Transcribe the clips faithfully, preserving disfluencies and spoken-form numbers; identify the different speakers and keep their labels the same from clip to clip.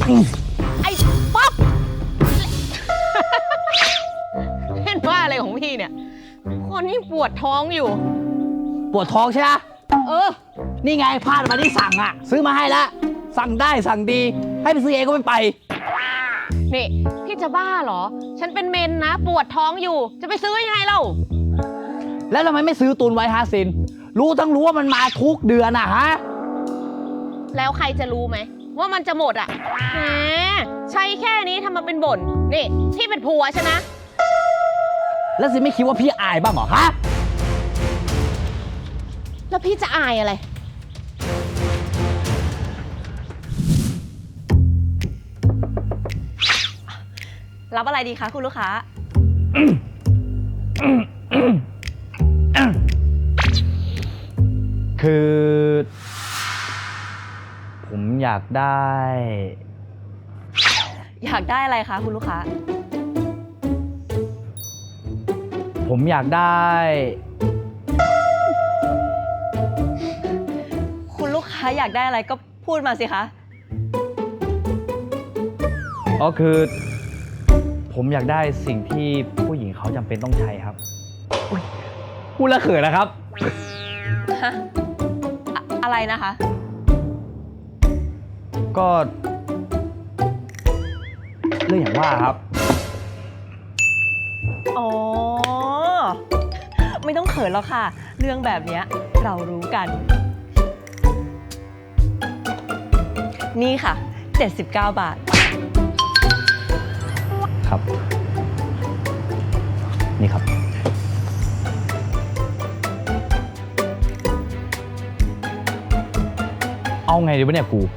Speaker 1: ไอ้ป๊อปเล่นว่าอะไรของพี่เนี่ยคนนี้ปวดท้องอยู่
Speaker 2: ปวดท้องใช่ไหม
Speaker 1: เออ
Speaker 2: นี่ไงพลาดมาที่สั่งอ่ะซื้อมาให้แล้วสั่งได้สั่งดีให้ไปซื้อเองก็ไม่ไป
Speaker 1: นี่พี่จะบ้าเหรอฉันเป็นเมนนะปวดท้องอยู่จะไปซื้อยังไงเล่า
Speaker 2: แล้วทำไมไม่ซื้อตุนไว้ฮะซินรู้ทั้งรู้ว่ามันมาทุกเดือนอะฮะ
Speaker 1: แล้วใครจะรู้ไหมว่ามันจะหมดอ่ะแหมใช้แค่นี้ทำมาเป็นบ่นนี่พี่เป็นผัวฉันนะ
Speaker 2: แล้วซินไม่คิดว่าพี่อายบ้างเหรอฮะ
Speaker 1: แล้วพี่จะอายอะไร
Speaker 3: รับอะไรดีคะคุณลูกค้า
Speaker 2: คือผมอยากได้
Speaker 3: อยากได้อะไรคะคุณลูกค้า
Speaker 2: ผมอยากได้
Speaker 3: คุณลูกค้าอยากได้อะไรก็พูดมาสิคะ
Speaker 2: ก็คือผมอยากได้สิ่งที่ผู้หญิงเขาจำเป็นต้องใช้ครับพูดแล้วเขินนะครับ
Speaker 3: ฮะอะไรนะคะ
Speaker 2: ก็เรื่องอย่างว่าครับ
Speaker 3: อ๋อไม่ต้องเขินหรอกค่ะเรื่องแบบนี้เรารู้กันนี่ค่ะเจ็ดสิบเก้าบาท
Speaker 2: ครับนี่ครับเอาไงดีวะเนี่ยกู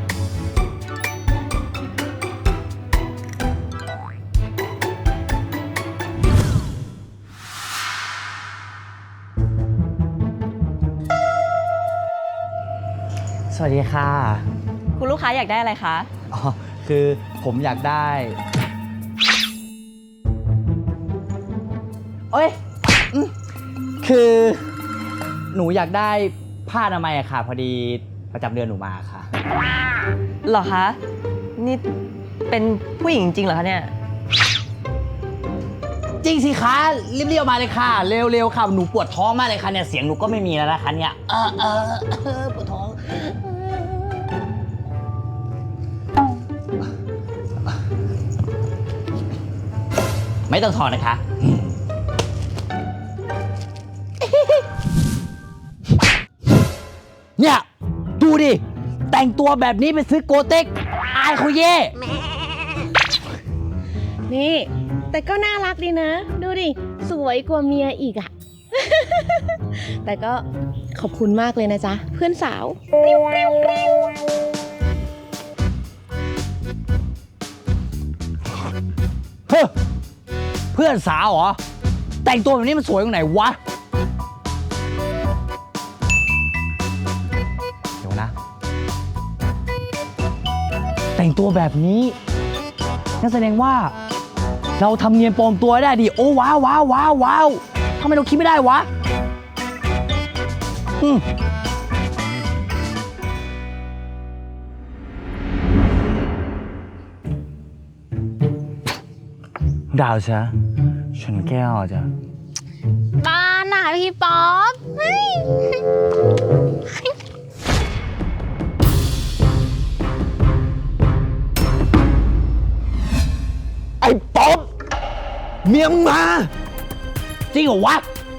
Speaker 2: สวัสดีค่ะ
Speaker 3: คุณลูกค้าอยากได้อะไรคะ
Speaker 2: อ๋อคือผมอยากได้เอ้ยคือหนูอยากได้ผ้าอนามัยอะค่ะพอดีประจำเดือนหนูมาค่ะ
Speaker 3: เหรอคะนี่เป็นผู้หญิงจริงเหรอคะเนี่ย
Speaker 2: จริงสิคะรีบๆมาเลยค่ะเร็วๆค่ะหนูปวดท้องมากเลยค่ะเนี่ยเสียงหนูก็ไม่มีแล้วนะคะเนี่ยเออเออเออปวดท้องไม่ต้องถอนนะคะเนี่ยดูดิแต่งตัวแบบนี้ไปซื้อโกเต็กอายเขาเย่
Speaker 1: นี่แต่ก็น่ารักดีนะดูดิสวยกว่าเมียอีกอะ แต่ก็ขอบคุณมากเลยนะจ๊ะเพื่อนสาว
Speaker 2: เฮ้อเพื่อนสาวเหรอแต่งตัวแบบนี้มันสวยตรงไหนวะเดี๋ยวนะแต่งตัวแบบนี้นั่นแสดงว่าเราทำเนียนปลอมตัวได้ดิโอ้ว้าวว้าวว้าวว้าวทำไมเราคิดไม่ได้วะอืมดาวจ้ะชนแก้วจ้ะ
Speaker 1: บ้านน่ะพี่ป๊อป
Speaker 2: ไอ้ป๊อปเมียมึงมาจริงเหรอวะ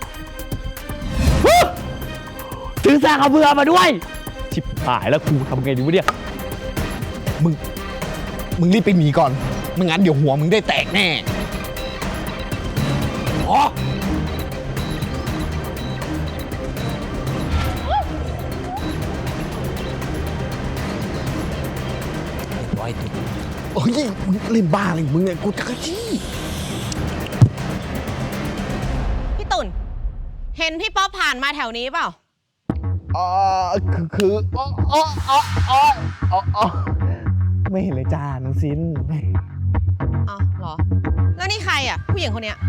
Speaker 2: ถือสากกระเบือมาด้วยชิบหายแล้วครูทำไงดีวะเนี่ย
Speaker 4: มึงมึงรีบไปหนีก่อนไม่งั้นเดี๋ยวหัวมึงได้แตกแน่
Speaker 2: อ๋อไว้
Speaker 4: โอ้ยมึงเล่นบ้าอะไรมึงเนี่ยกูจะกระชี้
Speaker 1: พี่ตุ่นเห็นพี่ป๊อปผ่านมาแถวนี้เปล่า
Speaker 4: อ๋อคือคืออ๋ออ๋ออ๋ออ๋ออ๋อไม่เห็นเลยจ้าน้องซิน
Speaker 1: อ๋อเหรอแล้วนี่ใครอ่ะผู้หญิงคนเนี้ย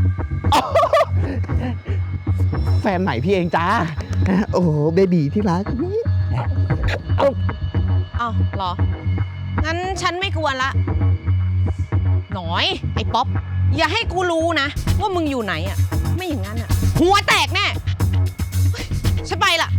Speaker 4: แฟนใหม่พี่เองจ้าโอ้โหเบบีที่รัก
Speaker 1: อ้าวเหรองั้นฉันไม่กวนละ หน่อย ไอ้ป๊อป อย่าให้กูรู้นะ ว่ามึงอยู่ไหนอ่ะ ไม่อย่างนั้นอ่ะ หัวแตกแน่เฮ้ยฉันไปละ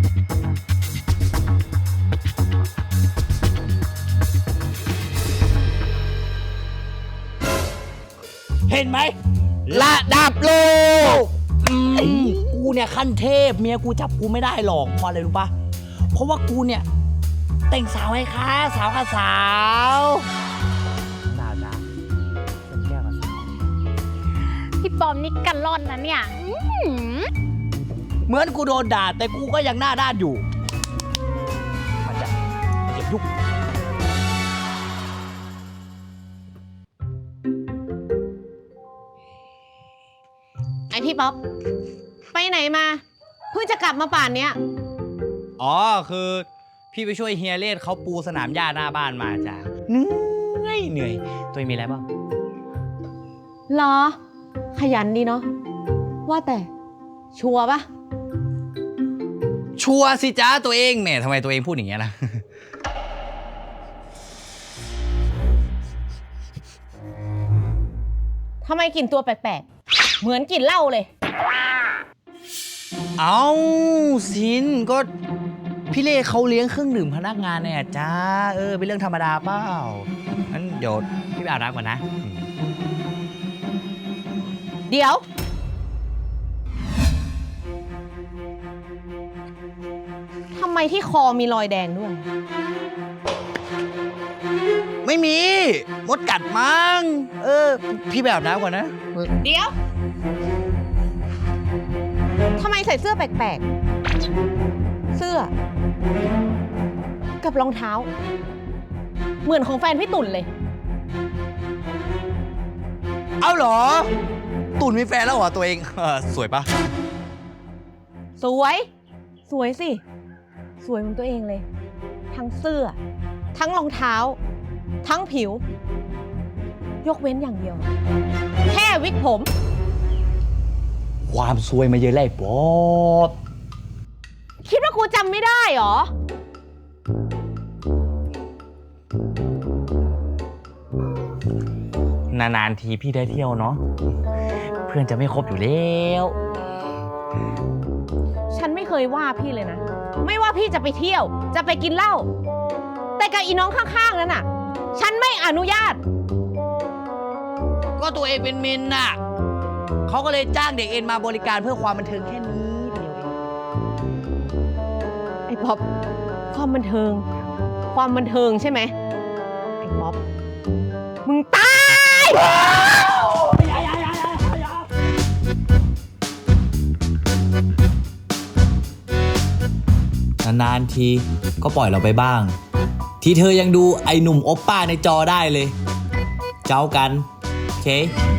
Speaker 2: เห็นไหม
Speaker 4: ระดับโลก
Speaker 2: อืมกูเนี่ยขั้นเทพเมียกูจับกูไม่ได้หรอกเพราะอะไรรู้ปะเพราะว่ากูเนี่ย แต่งสาวให้ค้าสาวค่ะสาวดาวจ้าเป็นแก้วกับสาว
Speaker 5: พี่ปอมนี่กันร่อนนะเนี่ยอื้อหือ
Speaker 2: เหมือนกูโดนด่าแต่กูก็ยังหน้าด้านอยู่มันจะมันจะยุก
Speaker 1: ไอพี่ป๊อป ไปไหนมา เพิ่งจะกลับมาป่านเนี้ย
Speaker 2: อ๋อคือพี่ไปช่วยเฮียเลดเขาปูสนามหญ้าหน้าบ้านมาจ้ะเหนื่อยเหนื่อยตัวเองมีอะไรบ้าง
Speaker 1: เหรอ ขยันดีเนาะ ว่าแต่ ชัวร์ปะ
Speaker 2: ชัวร์สิจ้าตัวเองแหมทำไมตัวเองพูดอย่างเงี้ยล่ะ
Speaker 1: ทำไมกลิ่นตัวแปลกๆ เหมือนกลิ่นเหล้าเลย
Speaker 2: เอาสินก็พี่เล่เขาเลี้ยงเครื่องดื่มพนักงานเนี่ยจ้าเออเป็นเรื่องธรรมดาเปล่างั้นเดี๋ยวพี่ไปอาบน้ำก่อนนะอืม
Speaker 1: เดี๋ยว ทำไมที่คอมีรอยแดงด้วย
Speaker 2: ไม่มีมดกัดมั้งเออพี่ไปอาบน้ำก่อนนะ
Speaker 1: เดี๋ยว ทำไมใส่เสื้อแปลกๆ เสื้อ กับรองเท้า เหมือนของแฟนพี่ตุ่นเลย
Speaker 2: เอาเหรอ ตุ่นมีแฟนแล้วเหรอตัวเองเออสวยปะ
Speaker 1: สวย สวยสิ สวยเหมือนตัวเองเลย ทั้งเสื้อ ทั้งรองเท้า ทั้งผิว ยกเว้นอย่างเดียว แค่วิกผม
Speaker 2: ความสวยมาเยอะเลยป๊อบ
Speaker 1: คิดว่ากูจำไม่ได้เหรอ
Speaker 2: นานๆทีพี่ได้เที่ยวเนาะเพื่อนจะไม่ครบอยู่แล้ว
Speaker 1: ฉันไม่เคยว่าพี่เลยนะ ไม่ว่าพี่จะไปเที่ยว จะไปกินเหล้า แต่กับอีน้องข้างๆนั้นน่ะ ฉันไม่อนุญาต
Speaker 2: ก็ตัวเองเป็นเมนน่ะเขาก็เลยจ้างเด็กเอ็นมาบริการเพื่อความบันเทิงแค่นี้เดียวเอง
Speaker 1: ไอ้ป๊อป ความบันเทิง ความบันเทิงใช่ไหม ไอ้ป๊อป มึงตาย
Speaker 6: นานๆทีก็ปล่อยเราไปบ้าง ที่เธอยังดูไอหนุ่มโอปป้าในจอได้เลย เจ้ากัน โอเค